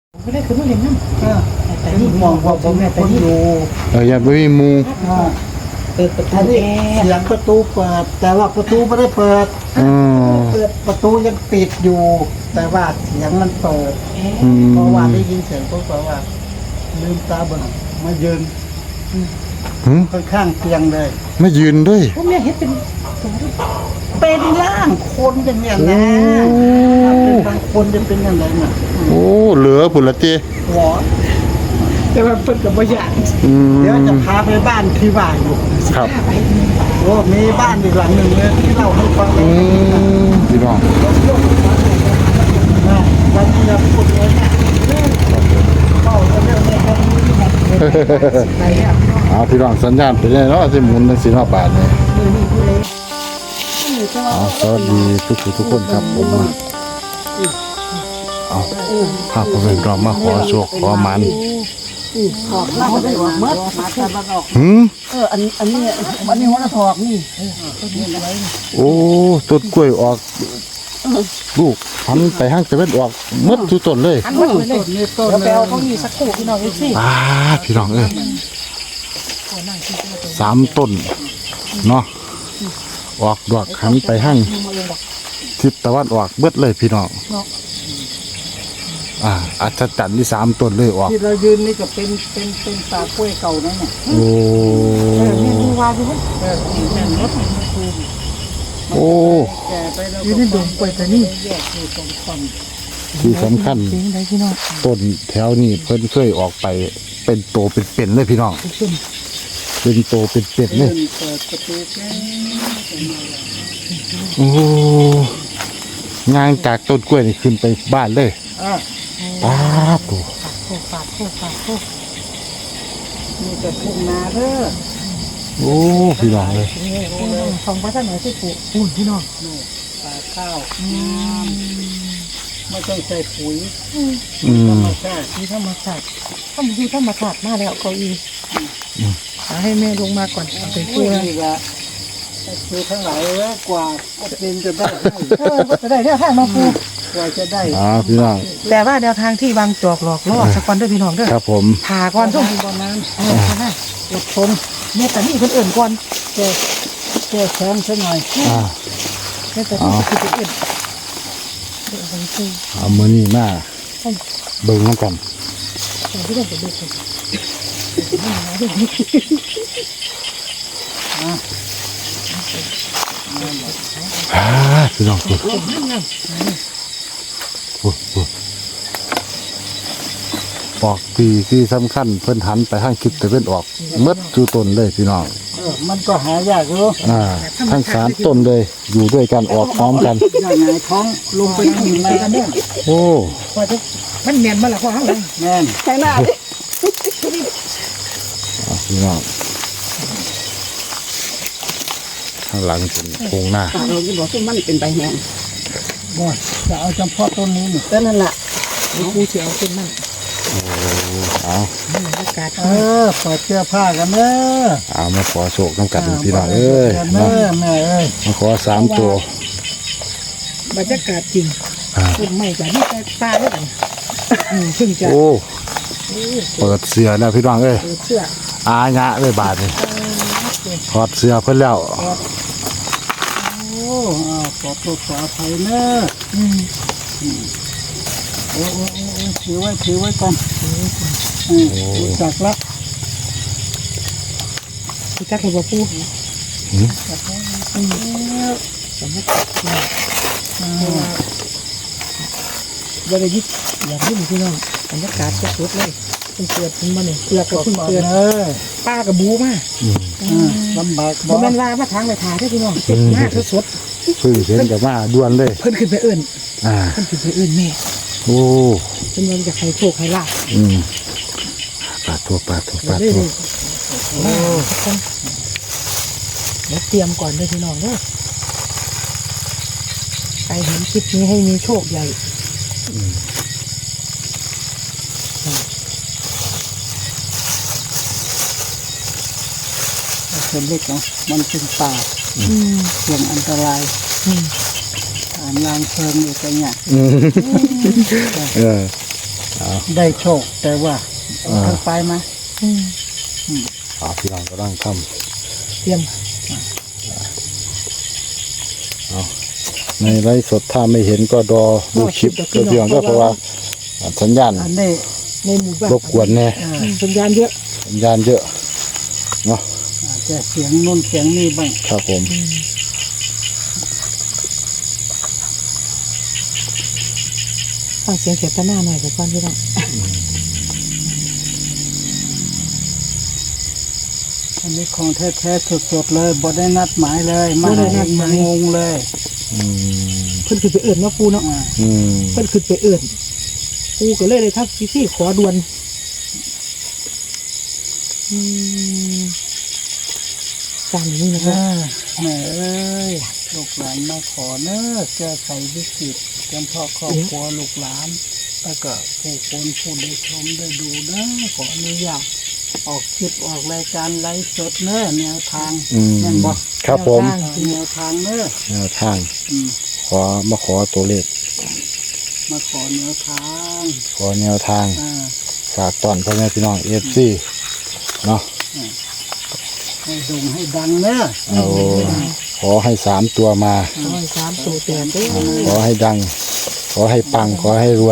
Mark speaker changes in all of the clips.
Speaker 1: ก็ได้คือมาเล่นน้ำแต่นี่
Speaker 2: มองว่าผมเป็นคนอยู่
Speaker 3: อย่าไปมีหมู
Speaker 1: เปิดประตู
Speaker 2: อันนี้
Speaker 1: แอ
Speaker 2: เสียงประตูเปิด แต่ว่าประตูไม่ได้เปิด
Speaker 3: อ๋อ
Speaker 2: เปิดประตูยังปิดอยู่ แต่ว่าเสียงมันเปิด
Speaker 3: อืม
Speaker 2: เพราะว่าได้ยินเสียงปุ๊บว่าลืมตาเบิ่งมายืน
Speaker 3: หืม
Speaker 2: ข้างๆเตียงเลย
Speaker 3: ไม่ยืนด้วย
Speaker 1: พวกเนี้ยเห็นเป็น
Speaker 2: เป็นร่างคนอย่างเนี้ยนะเป็นบางคนจะเป็นอย่างไรเนี่ย
Speaker 3: โอ้เหลือผุนละเจ
Speaker 2: หัว
Speaker 1: แต่ว่าเปิดกับบ่อยาก
Speaker 3: อืม
Speaker 2: เดี๋ยวจะพาไปบ้านที่ว่าอยู่
Speaker 3: ครับ
Speaker 2: โอ้มีบ้านอีกหลังหนึ่งเลยที่เล่าให้ฟังเล
Speaker 3: อื
Speaker 2: ย
Speaker 3: มพี่น้อง
Speaker 2: วันนี้เราพูดเลยนะเข้าเรื่องนี้ครับ
Speaker 1: ไปแล้ว
Speaker 3: เอาพี่น้องสัญญาณไปได้เนาะสิหมุนในสีนอบาทเนี่ยเอาสวัสดีทุกคนครับผมมาเอาพาผมเป็นรอมาขอโชคขอมัน
Speaker 2: ถอดแล้วก็ได้ออกเมื่อมาตะวันออก
Speaker 3: หืม
Speaker 2: อันนี้หัวถอกนี่
Speaker 3: โอ้ต้นกล้วยออกลูกหันไปห้างจะเป็นออกหมดทุกต้นเลย
Speaker 1: อันวัดเลย
Speaker 2: ต้นนี้ต้น
Speaker 1: เดี๋ยวไปเอาเขามีสักครู่พี่น้องอีกสิ
Speaker 3: พี่น้องเอ้ย3 ต้นเนาะออกดอกหันไปห้างทิศตะวันออกเบิดเลยพี่น้องอัศจรรย์ที่3 ต้นเลยออก
Speaker 2: ที่เรายืนนี่ก็เป็นตากล้วยเก่านั่นน่ะ
Speaker 3: โอ้
Speaker 1: นี่ดูว่าดู
Speaker 2: แม่นรถ
Speaker 3: โอ้
Speaker 2: แก่ไปแล้ว
Speaker 1: อยู่ในดงกล้วยแต่นี่
Speaker 2: แยกอยู่ตรงฝั่ง
Speaker 3: ที่สำคัญ
Speaker 1: เสียงใดพี่น้อง
Speaker 3: ต้นแถวนี้เพิ่นเคยออกไปเป็นโตเป็นเลยพี่น้อง
Speaker 1: ขึ้น
Speaker 3: เป็นโตเป็นเล
Speaker 2: เดิ
Speaker 3: ย
Speaker 2: นเปิดประตูแค่
Speaker 3: โอ้งานจากต้นกล้วยนี่ขึ้นไปบ้านเลย
Speaker 2: อ่ะ
Speaker 3: ป้าบโอ้
Speaker 1: โคฝาดโคฝาดโค
Speaker 2: นี่จะทุ่งนาเด้อ
Speaker 3: โอ้พี่น้องเลย
Speaker 1: ของพระท่านไหนที่ปลูกปูนพี่น้อง
Speaker 2: ตาข้าวไม่ต้องใส่ปุ๋ย
Speaker 3: อืม
Speaker 2: ใช่
Speaker 1: ที่ธรรมศาสตร์ถ้ามันดูธรรมศาสตร์มาแล้วเก้าอี้ให้แม่ลงมาก่อนเอาไป
Speaker 2: ปุ๋
Speaker 1: ปู
Speaker 2: ย
Speaker 1: นะ
Speaker 2: นี่ละคือทั้งหลายแล้วกว่าก็เป็นจะได้
Speaker 1: จะได้แนวทางมาปู
Speaker 2: กว่าจะได้
Speaker 3: พี่น้อง
Speaker 1: แต่ว่าแนวทางที่วางจอกหลอกล่อสักวันด้วยพี่น้องเด้อ
Speaker 3: ครับผม
Speaker 1: ผ่าก่อนช่วง
Speaker 2: ตอนนั้น
Speaker 1: ใช่ไหม
Speaker 2: อดทน
Speaker 1: เนี่ยแต่นี่คนอื่นก่อน
Speaker 2: แก้แค้นซะหน่อย
Speaker 1: เนี่ยแต่นี่คือคนอื่นเดี๋ยวไปซื้อ
Speaker 3: เอามือนี่มาเบิ่งน้ำกัน
Speaker 1: แต่ที่เราไปดูกัน
Speaker 3: พี่น้องพูดออกที่สำคัญเพิ่นหันไปทางคิดแต่เพิ่นออกเมดจูต้นเลยพี่น้อง
Speaker 2: มันก็หายากอยู่
Speaker 3: ทั้ง3 ต้นเลยอยู่ด้วยกันออกพร้อมกัน
Speaker 2: อย่างไงท้องลงไปถึงในกันเนี่ย
Speaker 3: โอ้
Speaker 1: พอจะมันเนียนมาแล้วพอเขาเลย
Speaker 2: แม่น
Speaker 1: ใช่หน้า
Speaker 3: พี่น้องข้างหลังเป็นโครงหน้า
Speaker 1: เราจะบอกว่ามันเป็นใบแมง
Speaker 2: บ่จะเอาจำเพาะต้นนี้นี่
Speaker 1: ก็นั่นแหละกูเสียวขึ้นมั่ง
Speaker 3: เอา
Speaker 1: มันอากาศ
Speaker 2: เปิดเสื้อผ้ากันเนอะ
Speaker 3: เอามาขอโชคน้ำกัดพี่น้องเอ้ย
Speaker 2: กันเน
Speaker 3: เนาะ
Speaker 2: อะแม่เอ้ย
Speaker 3: มาขอ3 ตัว
Speaker 1: บรรยากาศจริงต้นไม้จากนี่แต่ตาด้วยกันซึ่งจะ
Speaker 3: โอ้เปิดเสือแล้วพี่น้องเอ้ย
Speaker 1: เชื่อ
Speaker 3: อาญะเลยบาทนี่ถอดเสือเพิ่นแล้ว
Speaker 2: โอ้ขอโทษขออภัยเนอะโอ้ถือไว้ก่อนรู้จักละ
Speaker 1: ที่จักรบอกปูบริยิตอย่างนี้พี่น้องบรรยากาศสดๆเลยเป็นเกลือเป็นมันเนี่ยเกลือกับพึ่ง
Speaker 2: ก่อน
Speaker 1: เกลือ
Speaker 2: เนอะ
Speaker 1: ป้ากับบูมา
Speaker 2: ลำบาก
Speaker 1: บ่แม่นว่ามาทางไปทาได้พี่น้องเจ็บมากสด
Speaker 3: เพิ่งเห็นกับมาด่วนเลย
Speaker 1: เพิ่นขึ้นไปเอื่น
Speaker 3: อ่า
Speaker 1: เพิ่นขึ้นไปเอื่นแม่
Speaker 3: โอ้
Speaker 1: จำนวนจะใครโชคใครลาบ
Speaker 3: ปาดตัว
Speaker 1: เรื่อยๆมาทุกคนเดี๋ยวเตรียมก่อนเลยพี่น้องเด้อใครเห็นคลิปนี้ให้มีโชคใหญ่
Speaker 2: เป็นเล็กเนาะมันเป็นป่าเสี่ยงอันตรายอ่านลางเพลิงอยู่กันเนี่ย
Speaker 3: เออ
Speaker 2: ได้โชคแต่ว่าทางไปมา
Speaker 3: พี่น้องก็ต้องท
Speaker 1: เตรียม
Speaker 3: ำในไลฟ์สดถ้าไม่เห็นก็รอดูคลิปตัวเพียงก็เพราะว่าสัญญาณ
Speaker 2: อันนี้
Speaker 1: ในหมู่บ้าน
Speaker 3: รบกวนแน่
Speaker 1: สัญญาณเยอะ
Speaker 3: สัญญาณเยอะเนาะ
Speaker 2: อาจจะเสียงนู่นเสียงนี่บ้าง
Speaker 3: ครับผม
Speaker 1: ฟังเสียงเขียนตาหน้าหน่อยกับฟังพี่น้อง
Speaker 2: อันนี้ของแท้ๆสดๆเลยบ่ได้นัดหมายเลยมาเองมางงเลย
Speaker 1: เพิ่นขึ้นไปเอื่นเนาะปูเนาะ เพิ่นขึ้นไปเอื่นปูก็เลยทักพี่ขอด่วนการนี้นะครับ
Speaker 2: แม่เอ้ยลูกหลานมาขอเนอะแก้ไขวิกฤตจำเพาะครอบครัวลูกหลานแล้วก็ผู้คนผู้ได้ชมได้ดูนะขออนุญาตออกคลิปออกรายการไลฟ์สดเนอะแนวทางแม่นบอก
Speaker 3: ครับผม
Speaker 2: แนวทางเนอะ
Speaker 3: แนวทางมาขอตัวเลข
Speaker 2: มาขอแนวทาง
Speaker 3: ขอแนวทาง ฝากตอนพ่อแม่พี่น้องFCเนาะ
Speaker 2: ให้ดงให้ดังเนอะ
Speaker 3: ขอให้3 ตัวมา
Speaker 1: 3 ตัวแต่เด้
Speaker 3: ขอให้ดัง ขอให้ปัง ขอให้รวย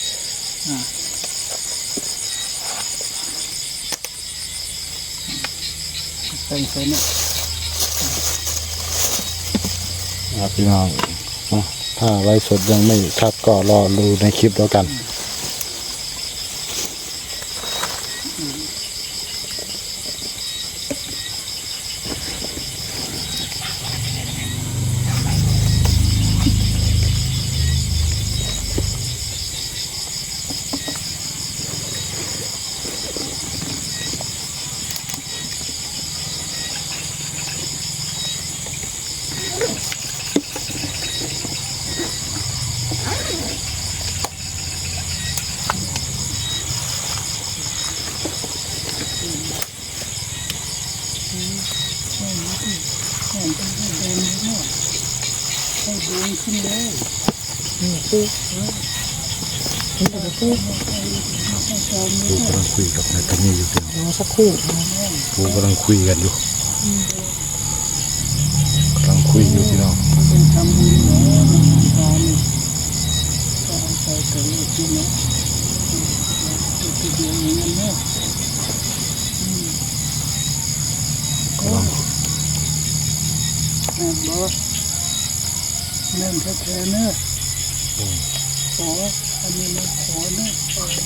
Speaker 2: เป็นเซนเนี่ย
Speaker 3: พี่น้องนะถ้าไลฟ์สดยังไม่ชัดก็รอดูในคลิปแล้วกัน
Speaker 2: ให้ดงขึ้นเลย
Speaker 1: ปู
Speaker 3: กูกำลังคุยกับนายตานีอยู่เพียง
Speaker 1: รอสักครู่
Speaker 3: กูกำลังคุยกันอยู่กำลังคุยอยู่พี่น้อง
Speaker 2: เป็นทำบุญนะตอนนี้ก็เอาไปเกิดลูกที่นะตัวเดียวอย่างนั้นเนี่ยก็แม่บอกแม่แท้ๆเนอะขออันนี้ไม่ขอเนอะ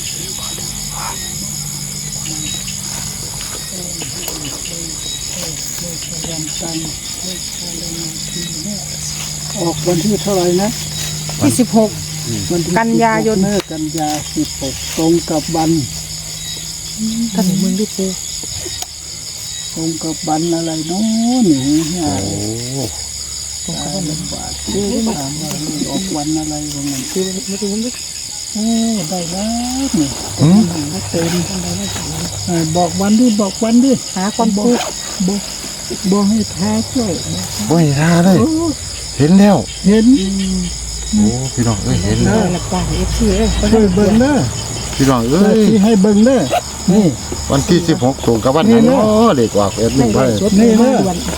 Speaker 2: วันตันเลขอะไรนะทีเนี่ยออกวันที่เท่าไหร่นะ
Speaker 1: ที่16
Speaker 2: วันที่
Speaker 1: กันยายน
Speaker 2: 16กันยา16ตรงกับวัน
Speaker 1: ท่านมึงด้วยปู
Speaker 2: ตรงกับวันอะไรเนาะนี่ฮะ
Speaker 1: ตรงกับวัน
Speaker 2: บาทที่ถามว่าออกวันอะไรวะมัน
Speaker 1: คือไม่รู้ไม่
Speaker 2: โอ้ได้แล้วนี่
Speaker 1: ไม่เต็มทำไมไม่ถึง
Speaker 2: บอกวันดิบอกวันดิ
Speaker 1: หาความปู
Speaker 2: บอกให้แท้ช่วย
Speaker 3: โอ้ยท่าเลย เห็นแล้ว
Speaker 2: เห็น
Speaker 3: โอ้พี่น้องเอ้ยเห็น
Speaker 1: เอ
Speaker 3: แล้ว
Speaker 1: อหลักการFC เอ้ย
Speaker 2: ช่วยเบิ่งเด้อ
Speaker 3: พี่น้องเอ้ย
Speaker 2: ที่ให้เบิ่งเด้อนี่
Speaker 3: วันที่16ตรงกับวันนั้นเนาะเด็กออกเอ็ดมินไป
Speaker 2: นี่เนอะ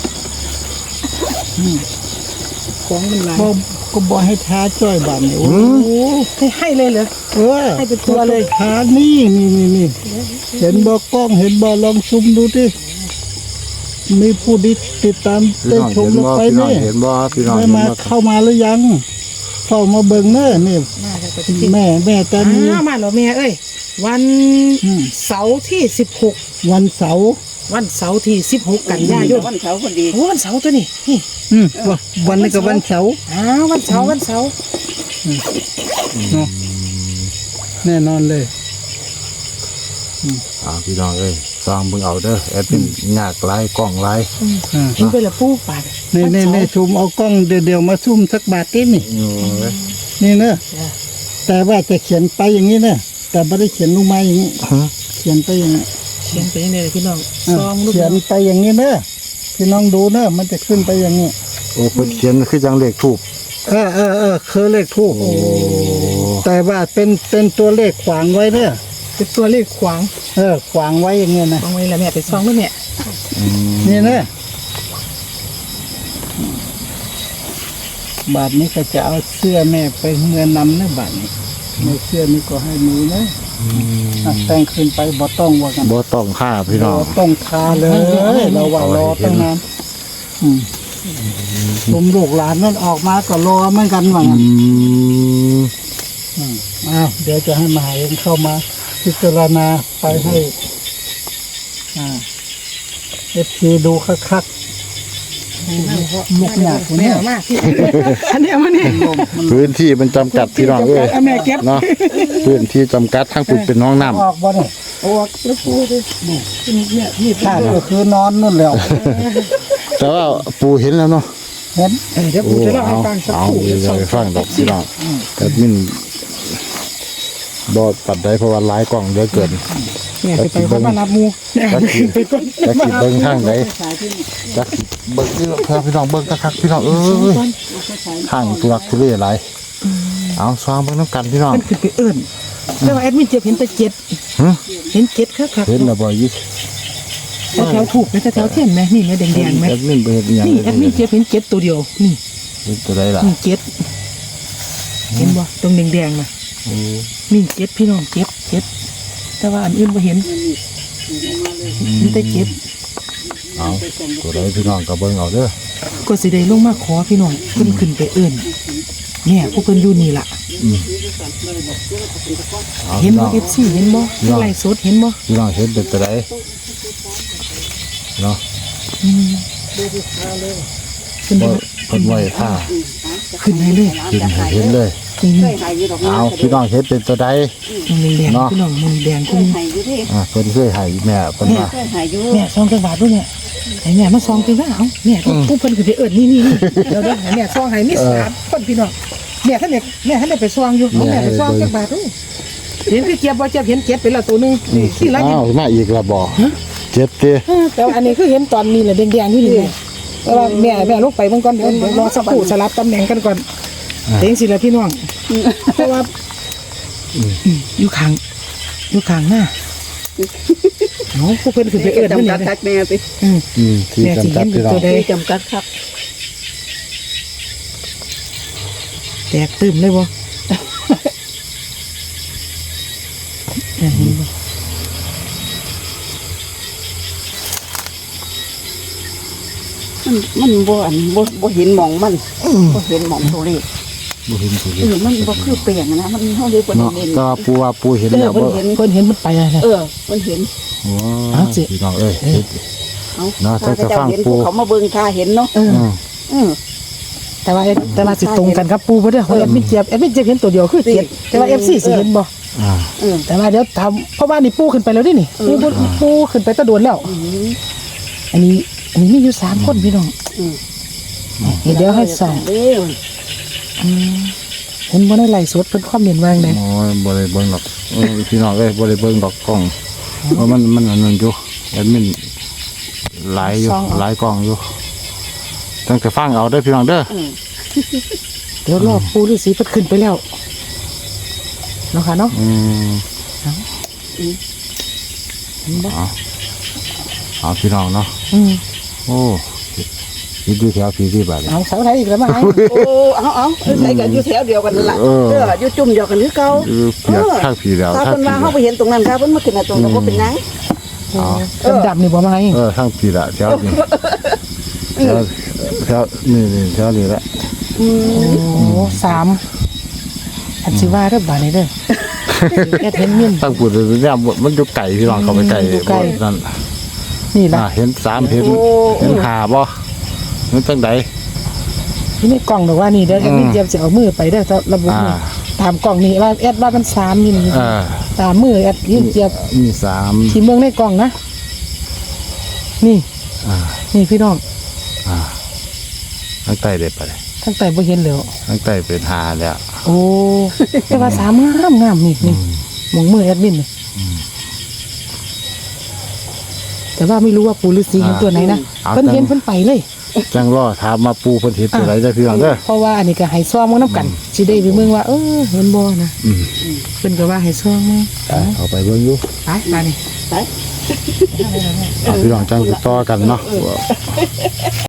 Speaker 1: ของมันหลาย
Speaker 2: ก็บอกให้แท้ช่วยบัตรเนี่ยโอ้
Speaker 1: ให้เลยเหรอ ให้เป็นตัวเลย
Speaker 2: แท้นี่เห็นบอกกล้องเห็นบอกลองซุมดูดิมีผู้ติดตาม
Speaker 3: พี่
Speaker 2: ได้
Speaker 3: น้อง
Speaker 2: ชม
Speaker 3: เห็น
Speaker 2: ลง
Speaker 3: บ่
Speaker 2: ไป
Speaker 3: พี่น้อง
Speaker 2: นี่
Speaker 3: เห็นบ่พี่น้อง
Speaker 2: ได้
Speaker 3: เห็น
Speaker 2: มา
Speaker 3: บ่
Speaker 2: เข้ามาหรือยังเข้ามาเบิ่งเนอะนี่
Speaker 1: น่าจะเป็นที่
Speaker 2: แม่แต่มี
Speaker 1: มาเหรอแม่เอ้ยวันเสาร์ที่16
Speaker 2: วันเสาร์
Speaker 1: วันเสาร์ที่16 กันยายน
Speaker 4: วันเสาร์พอดี
Speaker 1: โอ้วันเสาร์ตัวนี้นี่
Speaker 2: วันนี้ก็วันเสาร์
Speaker 1: วันเสาร์
Speaker 2: เนาะแน่นอนเลย
Speaker 3: พี่น้องเอ้ยซองเบิ่งเอาเด้อแอดมินยากหลายกล้องหลาย
Speaker 1: กินไปละปูปาด
Speaker 2: นี่ซูมเอากล้องเดี๋ยวมาซุ่มสักบาทนิดนี่ นี่เนอะแต่ว่าจะเขียนไปอย่างนี้เนอะแต่ไม่ได้เขียนลงมาอย่างนี้เขียนไปอย่างนี้
Speaker 1: เขียนไปยังไงพี่น้องซองลูก
Speaker 2: เขียนไปอย่างนี้เนอะพี่น้องดูเนอะมันจะขึ้นไปอย่างนี้
Speaker 3: โอ้เพิ่นเขียนคือจังเลขทูบ
Speaker 2: คือเลขทูบ
Speaker 3: โอ้
Speaker 2: แต่ว่าเป็นตัวเลขขวางไว้เนี่ย
Speaker 1: เป็นตัวเลขขวาง
Speaker 2: ขวางไว้อย่างเงี้ยนะ
Speaker 1: วางไว้แล้วแม่ไปซองด้วยแม่
Speaker 2: นี่นะบาทนี้ก็จะเอาเสื้อแม่ไปเมื่อนำนะบาทนี้ในเสื้อนี้ก็ให้มีนะแต่งขึ้นไปบ่ต้องว่ากัน
Speaker 3: บ่ต้องค่าพี่น้อง
Speaker 2: บ่ต้องทาเลยเราว่ารอตั้งนานผมลูกหลานนั่นออกมาก็รอเหมือนกันว่างั้นเดี๋ยวจะให้มหาเองเข้ามาพิจารณาไปให้FC ดูคักๆลูกหยาดคน
Speaker 1: แม่
Speaker 2: นี้
Speaker 1: เอามากพี่อันนี้เอามาเนี่ย
Speaker 3: พื้นที่มันจำกัดพี่น้องเอ้ย
Speaker 1: เอาแม่เก็บ
Speaker 3: เนาะพื้นที่จำกัดทั้งปุ่นเป็นน้องน้ำ
Speaker 2: ออกบ่เนี่ย
Speaker 1: โอ้แล้วปูดิเนี่ยนี่
Speaker 2: ถ้าก็คือนอนนู่นแล้ว
Speaker 3: แต่ว่าปูเห็นแล้วเนาะ
Speaker 2: เห็น
Speaker 1: เดี๋ยว
Speaker 3: โอ้
Speaker 1: ปูจะเล่าให้
Speaker 3: เอา
Speaker 1: ฟังสัก
Speaker 3: เอา
Speaker 1: ครู่
Speaker 3: เดี๋ยวไปฟังดอกพี่น้องแอดมินบอดปัดได้เพราะว่าหลายกล่องเยอะเกิน
Speaker 1: เนี่ยไปเขามารับมูเนี่ย
Speaker 3: จักสิ
Speaker 1: ไปก่อน
Speaker 3: จักสิเบิ้งทางไหนจักสิเบิ้งนี่เพื่อพี่น้องเบิ้งคักๆพี่น้องทางทุรักทุเลหลายเอาซ้อมเบิ้งน้ำกันพี่น้อง
Speaker 1: มันคือไปเอิ้นแต่ว่าแอดมินเจ็บเห็นแต่เจ็ด
Speaker 3: หึ
Speaker 1: เห็นเจ็ดครับ
Speaker 3: เห็นแล้วบ่ยี่
Speaker 1: แถวถูกไหมแถวเทียนไหมนี่ไหมแดงๆไหม
Speaker 3: แอดมินไปเห็นอหย่าง
Speaker 1: นี่แอดมินเจ็บเห็นเจ็ดตัวเดียวนี่
Speaker 3: เห็นตัวใดล่ะ
Speaker 1: นี่เจ็ดเห็นบ่ตรงแดงๆนะนี่เจ็ดพี่น้องเจ็ดแต่ว่าอันอื่นบ่เห็นเห็นแต่เจ็ด
Speaker 3: เอาตัวใดพี่น้องก็เบิ้งเอาเด้อ
Speaker 1: ก็สิได้ลงมาขอพี่น้องเพิ่นขึ้นไปเอิ้นเนี่ยพวกเพิ่นอยู่นี่ล่ะ
Speaker 3: เอา
Speaker 1: เห็น
Speaker 3: พี่น้
Speaker 1: บ่
Speaker 3: อง
Speaker 1: FC เห็นบ่ไล่สดเห็นบ่
Speaker 3: พี่น้องเห็นเป็นตัวใดเนาะ
Speaker 1: ขึ้น
Speaker 3: บ่
Speaker 1: ไป
Speaker 3: เพิ่นไว้ท่า
Speaker 1: ขึ้นให้เลย
Speaker 3: กินให้เห็นเลย
Speaker 1: นี่
Speaker 3: เอาพี่น้องเห็นเป็นตัวใด
Speaker 1: ตรงแดง
Speaker 3: เนาะ
Speaker 1: ๆพี่น้องมันแดงขึ้น
Speaker 3: เพิ่นเคยให้แม่เพิ่นว่า
Speaker 1: แม่ซองจังหวัดด้วยเนี่ยไอ้แม่มาซองจังหวัดเอ้าแม่ผู้เพิ่นขึ้นไปเอิ้นนี่เดี๋ยวให้แม่ซองให้มี3คนพี่น้องแม่ท่านได้ไปซองอยู่แม่ไปซองจังหวัดเห็นคือเจี๊ยบบ่เจี๊ยบเห็นเจ็ดไปแล้วตัวนึงที่ไร
Speaker 3: อ้าวมาอีกและบ่เจ็บเด้
Speaker 1: แต่อันนี้คือเห็นตอนนี้แหละแดงๆอยู่นี่แต่ว่าแม่ลงไปเบิ่งก่อนเดี๋ยวรอสักครู่สลับตำแหน่งกันก่อนเต็งสิละพี่น้องเพราะว่าอยู่ข้างหน้าเนาะผู้เพิ่นขึ้นไปเอิ้น
Speaker 4: จำกั
Speaker 1: นี่
Speaker 4: ดคักแม่สิ
Speaker 3: ที่จำกัดพี่น้อง
Speaker 4: ที่จำกัดคัก
Speaker 1: แตกตื่มเลยบ่เห็นบ่
Speaker 4: มันบ่เห็นหมองมันบ่เห็นหมองตัวเลข
Speaker 3: บ่เห็นผู้
Speaker 4: เออมันบ่คือเปลี่ยนนะมันเฮาเลยบ่
Speaker 3: เนาะ
Speaker 4: เห็น
Speaker 3: ก็ปูว่าปูเห็น
Speaker 4: เอ
Speaker 3: แล้
Speaker 4: อ
Speaker 3: ว
Speaker 4: เพิ่
Speaker 3: บ่
Speaker 4: นเห็น
Speaker 1: เพิ่นเห็นมันไปอะไร
Speaker 4: มันเห็น
Speaker 3: ว้าพี่น้องเอ้ย
Speaker 4: เอา
Speaker 3: เนาะ
Speaker 4: ถ้า
Speaker 3: จะ
Speaker 4: เจ้า
Speaker 3: ฟัง
Speaker 4: เห็น
Speaker 3: ปู่
Speaker 4: เขามาเบิ่งท่าเห็นเนาะ
Speaker 1: เออ
Speaker 3: อืม
Speaker 1: แต่ว่าสิตรงกันครับปูบ่ได้แอดมินเจ็บเห็นตัวเดียวคือ7แต่ว่า FC สิเห็นบ่ แต่ว่าเดี๋ยวทำเพราะว่านี่ปูขึ้นไปแล้วนี่ปูขึ้นไปตะโดนแล้ว อันนี้มีอยู่3คนพี่น้องเดี๋ยวให้ส่อง
Speaker 4: เด้อ
Speaker 1: เห็นบ่ได้ไล่สดเพิ่นคอมเมนต์ว่าจังได๋
Speaker 3: โอ้ยบ่ได้เบิ่งดอกพี่น้องเอ้ยบ่ได้เบิ่งดอกกล้องเพราะมันอันนั้นอยู่แอดมินหลายอยู่หลายกล้องอยู่ตั้งแต่ฟังเอาเด้อพี่น้องเด้อ
Speaker 1: เดี๋ยวรอปูฤาษีเพิ่นขึ้นไปแล้วเนาะค่ะเนาะ
Speaker 3: เอาพี่น้องเนาะโอ้คิดดูแถวพี่ที่บาด
Speaker 1: เอาเสาไทยอีกแล้วมาให้
Speaker 4: โอ้เอาใส่กันอยู่แถวเดียวกันนั่นล่ะอยู่จุ่มเดียวกันคือเก่า
Speaker 3: เปียกข้างพี่แล้ว
Speaker 4: ถ้า
Speaker 3: ข้าง
Speaker 4: เพิ่น
Speaker 3: พี่
Speaker 4: ว่าเฮาไปเห็นตรงนั้นครับเพิ่นมาขึ้นตรงนั้นบ่เป็นหยัง
Speaker 1: ดำๆนี่บ่มาให้
Speaker 3: ข้างพี่ละแถวนี้แถวนี่แถวนี้แหละ
Speaker 1: โอ้3อันสิว่าเด้อบาดนี้เด้อแค่เห็นเมียน
Speaker 3: ตั้งพูดเนี่ยมันอยู่ไก่พี่น้องเขาไปไก่
Speaker 1: อยู่ไกล
Speaker 3: นั่น
Speaker 1: นี่ล่ะ
Speaker 3: เห็น3เห็น5บ่มันจังได
Speaker 1: นี่ในกล่องบอกว่านี่เดี๋ยวแอดมินเจี๊ยบจะเอามือไปเด้อระบุนี่ตามกล่องนี่ว่าแอดว่ามัน3นี่ตามมือแอดมินเจี๊ยบ
Speaker 3: มี3
Speaker 1: ที่เมืองในกล่องนะนี่นี่พี่น้อง
Speaker 3: ทั้งใต้เด็ดไปเลย
Speaker 1: ทั้งแต่บ่เห็นแล้ว
Speaker 3: ทั้งใต้เป็น5แล้ว
Speaker 1: โอ้แต่ว่า3งามนี่หมองมือแอดมินนี่แต่ว่าไม่รู้ว่าปู่ฤาษีเห็นตัวไหนนะเพิ่นเห็นเพิ่นไปเลย
Speaker 3: จังรอถามมาปูเพิ่นเห็นตัวไหนได้อพี่น้องเด้อ
Speaker 1: เพราะว่าอันนี้ก็ให้ซ่อมมึงนํกันสิได้ไปเมืองว่าเห็นบ่นะเพิ่นก็ว่าให้ซ่อมมึง
Speaker 3: เอาไปเบิ่งอยู่
Speaker 1: ไปมานี่
Speaker 4: ไป
Speaker 3: เอาพี่น้องจังติดต่อกันเนาะ